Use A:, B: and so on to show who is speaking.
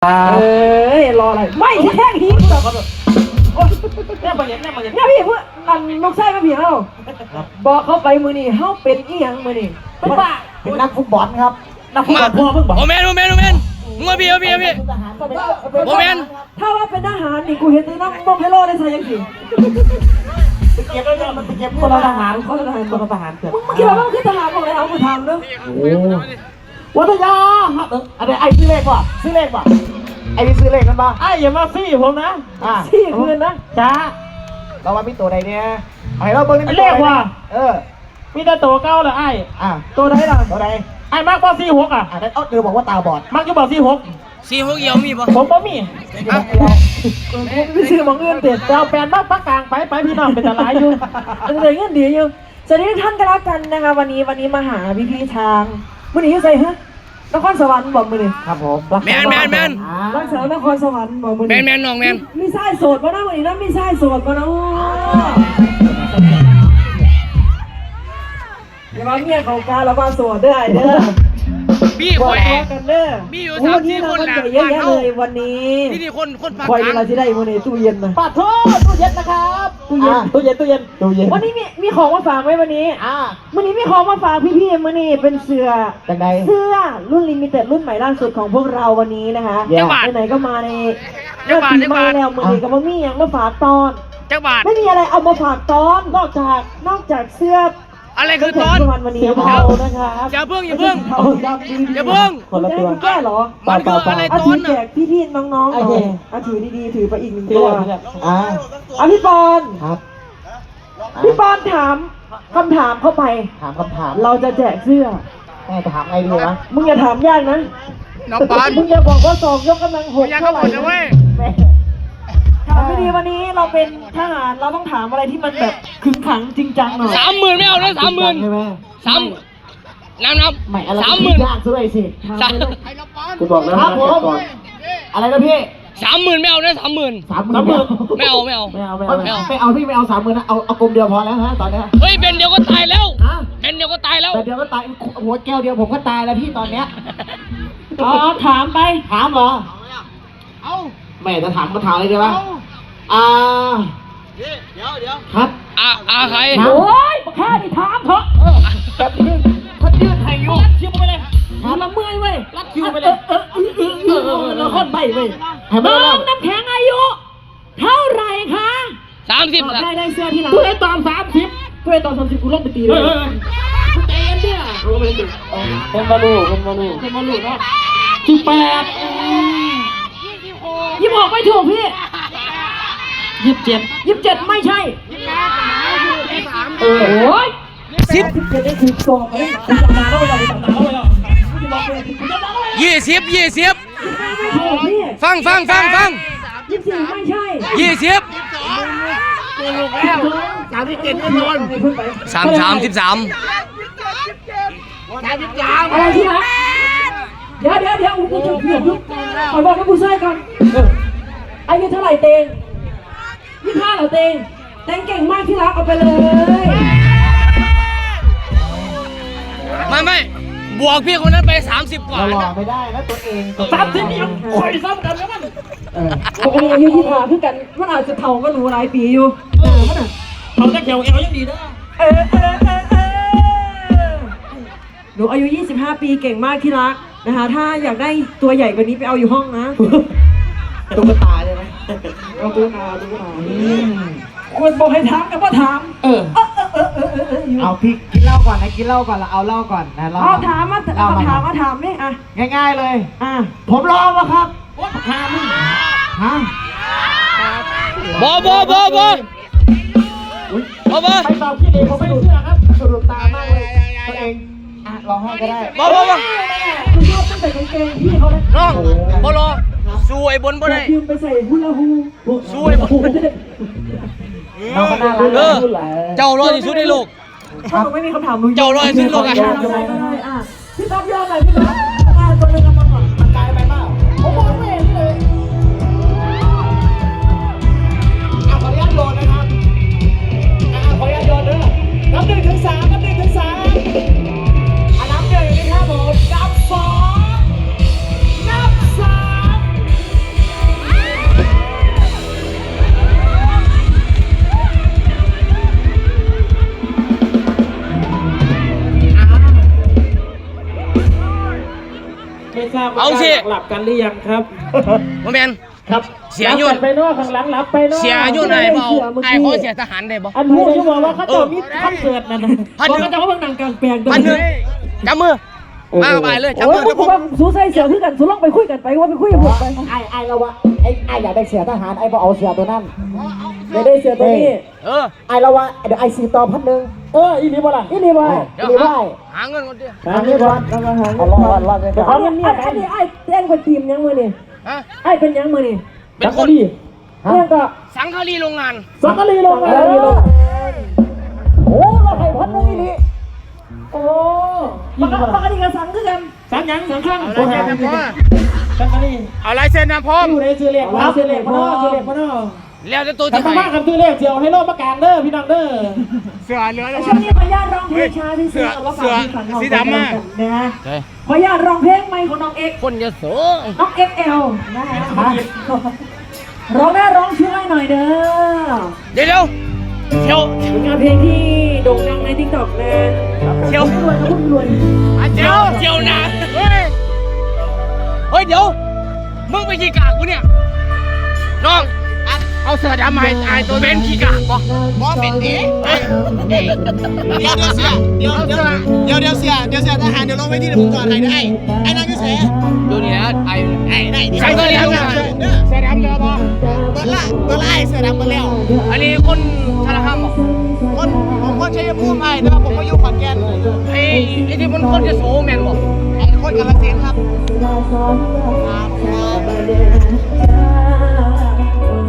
A: รออะไรไม่แค่นี้เนี่ยมาเห็นเนี่ยพี่เพื่อนลูกไส้มาพี่เฮาบอกเขาไปมือนี่เฮาเป็นอีหยังมือนี่เป็นบ้า
B: เป็นนักฟุตบอลครับ
C: นักฟุตบอลพ่อเพิ่งบอกโอเมนมึงมาพี่โอเมน
A: ถ้าว่าเป็นทหารนี่กูเห็นในน้องมงเฮโร่ได้ใช่ยังสิ
B: มันไปเก็บคนละทหารเกิด
A: มึงคิดว่ามึงคือทหารของอะไรเอากูทำเด้อ
B: วัทยาอะไรไอ้ซื้อเลขป่ะไอ้นี่ซื้อเลขกันป่ะ
C: ไอ้อย่ามาซี่ผมนะ
A: ซี่คืนนะ
B: จ้าเราว่ามีตัวใดเนี่ยไอ้เราเบอร์นี้
C: เลขว่า
B: มี
C: แต่ตัวเก้าเลยไอ้
A: ตัวใดล่ะ
B: ตัวใด
C: ไอ้มากกว่า46
B: เดี๋ยวบอกว่าตาบอด
C: มักจะบอก46เหี่ยวมีป่ะผมบ่มี
A: ไม่ซื้อมองเงินเด็ด
C: เจ้าแปลนมากปักกลางไปพี่น้องเป็นอะไรอยู่
A: อะไรเงินดีอยู่สวัสดีท่านกันแล้วกันนะคะวันนี้มาหาพี่ทางมื่อนี้ใส่ฮะนครสวรรค์บอกมือนี่
B: ครับผม
C: แมน
A: รักษานครสวรรค์บอกมือ
C: นี่แมนน้องแมน
A: มีไส้โสดป่ะนะวันนี้นะมีไส้โสดป่ะนะอย่ามาเมียของการแล้วมาโสดได้เด้อ
C: พี่คอย
A: กันเด้อ
C: มีอยู่
A: 3-4คนแหละเยอะแยะเลยวันนี้
C: ที่คน
A: คอยเวลาที่ได้วันนี้ตู้เย็นนะ
B: ปัดโทษตู้เย็นนะครับตู้เย็น
A: วันนี้มีของมาฝากไหมวันนี้วันนี้มีของมาฝากพี่ๆวันนี้เป็นเสื้อรุ่นลิมิเต็ดรุ่นใหม่ล่าสุดของพวกเราวันนี้นะคะไหนก็มาในปีใหม่แล้ววันนี้ก็มามีอย่างมาฝากตอนไม่มีอะไรเอามาฝากตอนนอกจากเสื้อ
C: อะไรคือตอน
A: วันนี้เรานะครับ
C: อย่าเพิ่งคน
A: ละตัวแก้หรอ
C: มันคืออะไรตอน
A: แจกพี่น้องๆถือดีๆถือไปอีก1ตัวพี่ปอน
B: ครับ
A: พี่ปอนถามคำถามเข้าไปเราจะแจกเสื้อ
B: แม่จะถามไงดีวะ
A: มึงอย่าถามยากนะ
C: น้องปอน
A: มึงอย่าบอกว่า2ยกกำลัง6เท่าไหร่ถามไม่ดีวันนี้เราเป็นทหารเราต้องถามอะไรที่มันแบบขึงขังจริงจังหน่อย
C: 30,000ไม่เอานะ30,000
B: ใช่ไหม
C: นับ
B: ไม่อะไรยากซะเลยสิกูบอกแล้วก่อนอะไรนะพี่
C: 30,000ไม่เอานะ30,000ไม่เอาพี่ไม่เอา
B: 30,000นะเอากลมเดียวพอแล้วฮะตอนนี้
C: เฮ้ยเบนเดียวก็ตายแล้วเดียวก็ตาย
B: หัวแก้วเดียวผมก็ตายแล้วพี่ตอนเนี้ย
A: ถาม
B: เหรอแม่จะถามมาถามอะไรดีวะ
C: เดี๋ยว
B: ครับ
C: ใคร
A: โอ้ยแค่นี้ถามเถอะ
B: แบบนี้ถ้ายืดให้ยุ่ง
C: คิวไปเลย
A: ถามละเมื่อยเว้ย
C: รัดคิวไปเลย
A: เราค่อนใบเว้ยน้องน้ำแข็งอายุเท่าไหร่คะ
C: 30
A: ได้เสื้อที่ไหน
C: กูได้ตอน30
A: กูลงไปตีเลย
C: ใจเย็นเนี่ย
B: เป็นมาลู
C: เนาะ
A: 26ไม่ถูกพี่27ไม่ใช่
C: โอ้ย
A: 17ได้ถูกสอบเลย
C: 20ฟัง
A: 24ไม่ใช่
C: 2037ก็โดน33
A: อะไรที่รักเดี๋ยวกูจะเปลี่ยนยุคขอบอกให้ผู้ชายก่อนอายุเท่าไหร่เตง25เหรอเตงเก่งมากที่รักเอาไปเลย
C: ไม่บวกพี่คนนั้นไป30กว่า
B: หล่อไม่ได้นะตัวเอง
C: 30นี่ยังคอยซ้ำกันแล้วมัน
A: ปกติอายุ25คือกันมันอาจจะเท่าก็รู้หลายปีอยู่
C: เขาจะเกี่ยวยังดีนะ
A: หนูอายุ25ปีเก่งมากที่รักนะคะถ้าอยากได้ตัวใหญ่กว่านี้ไปเอาอยู่ห้องนะ
B: ตุ๊กตาใช่ไหม
A: เอาตุ๊กตาควรบอกให้ถามกับว่าถาม
B: เอาพี่กินเหล้าก่อนนะเราเอาเหล้าก่อนนะ
A: เอาถามมาถามนี่อ่ะ
B: ง่ายๆเลยผมรอมาครับถามฮะ
C: บไป
B: ตอบพี่เด็กผมไม่เชื่อครับสรุปตามากเลยตัวเองรอให้ก็ได้
A: คุณชอบตั้งแต่กางเกงพี่เขาเลย
C: น้องบรอสวยบนบ่ได้
A: ยืมไปใส่ฮูลาฮู
C: สวยบน
B: เราก็น่ารัก
C: เจ้ารอที่สุดในโลก
A: ถ้าไม่มีคำถาม
C: เจ้ารอที่สุดในโลก
A: พี่ต๊อบยอมหน่อยพี่ต๊อบตัวนึงมาก่อน
B: มันไกลไปเปล่าผมมองไม่เห็นเลยขออนุญาตโยนนะครับขออนุญาตโยนเด้อนับ 1 ถึง 3นับ 1 ถึง 3นับ 1นะครับผมนับ 2นับ 3
C: เอาสิ
B: หลับกันหรือยังครับ
C: โมเมน
B: ครับ
C: เสียยุ่น
B: หลับกันไปเนอกข้างหลังหลับไปเนอก
C: เสียยุ่นไหนเปล่าไอ้เขาเสียทหารได้บ่
B: อันพูดจะบอกว่าเขาจะมีคอนเสิร์ตนั่นนะ
C: พัน
B: บอก
C: หนึ่ง
B: เขาจะว่าเพิ่งนั่งกลางแปลง
C: พันหนึ่งจับมือมาไปเลยจับ
A: โอ้
C: มื
A: ย
C: อเดี๋ยว
A: ผ
C: ผม ม
A: ว่าสู้ใส่เสือคือกันสู้ลองไปคุยกันไปว่าไปคุยกับผมไป
D: ไอ้เราว่าไอ้อยากได้เสียทหารไอ้พอเอาเสียตัวนั้น
A: เดี๋ยวได้เสือตัวนี้
C: เออ
D: ไอ้เราว่าเดี๋ยวไอ้สีต่อ1,000
B: อีนี่บ่ล่ะ
A: นี่นี่ว่า
C: เดี๋ยว
D: นี่ว่า
C: หาเงินก่อนดิ
B: อันนี้ก่อน
A: เรามาหา
D: เอารอดเลย
B: เดี๋ยว
A: อั
B: เขา
A: นนี้อันนี้ไอ้เต้นคนทีมยังมือนี่
C: ฮะ
A: ไอ้เป็นยังมือนี่
C: เป็นคน
A: เรื่องก็
C: สังฆารีโรงงาน
B: สักกะลีลงมา
D: โอ้เราให้1,000นี่นี่
A: โอ้ปกติกับสังคือกัน
B: สักยังสักครั้ง
C: เอาอะไรเซ็นนะพ่อ
B: สักกะลี
C: เอาลายเซ็นนะพ่อ
B: อยู่ในซื้อเลขครับซื้อเลขพนอซื้อเลขพนอ
C: แล้วจะตัว
B: ถ้า
C: ที่
B: มา
C: ไหน
B: มากกับซื้อเลขเสียวให้โลกประกาศเด้อพี่น้องเด้อ
C: เสือเหลือ
A: ช่วงนี้ขออนุญาตร้องเพลงช้าที่สุดแล้วฝากที่ฝันของนะฮะขออนุญาตร้องเพลงใหม่ของน้องเอ็ก
C: คนจะโส
A: น้อง XL นะฮะร้องได้ร้องช่วยหน่อยเด้อ
C: เดี๋ยวเที่ยว
A: เป็นงานเพลงที่โด่งดังใน TikTok นะ
C: เที่ยว
A: รวยนะพุ่งรวย
C: เที่ยวนะเฮ้ยเดี๋ยวมึงไปขี่กากกูเนี่ยน้องเอาเสือดำมาไอ้ตัวเบนขี่กากบ่บ่เป็นดิเดี๋ยวเสือเดี๋ยวเสือทหารเดี๋ยวลงไปที่ผมก่อนให้ไอ้นั่นก็เสือดูนี่นะไอ้ไหนใช่ก็เลี้ยงเสือดำเรือบ่ตัวละไอ้เสือดำมาแล้วอันนี้คนชาละคำบ่ผมคนชัยภูมิไอ้แต่ว่าผมมาอยู่ขอนแก่นไอ้ที่มันคนจะโสแมนบ่ไอ้คนกาฬสินธุ์ครับ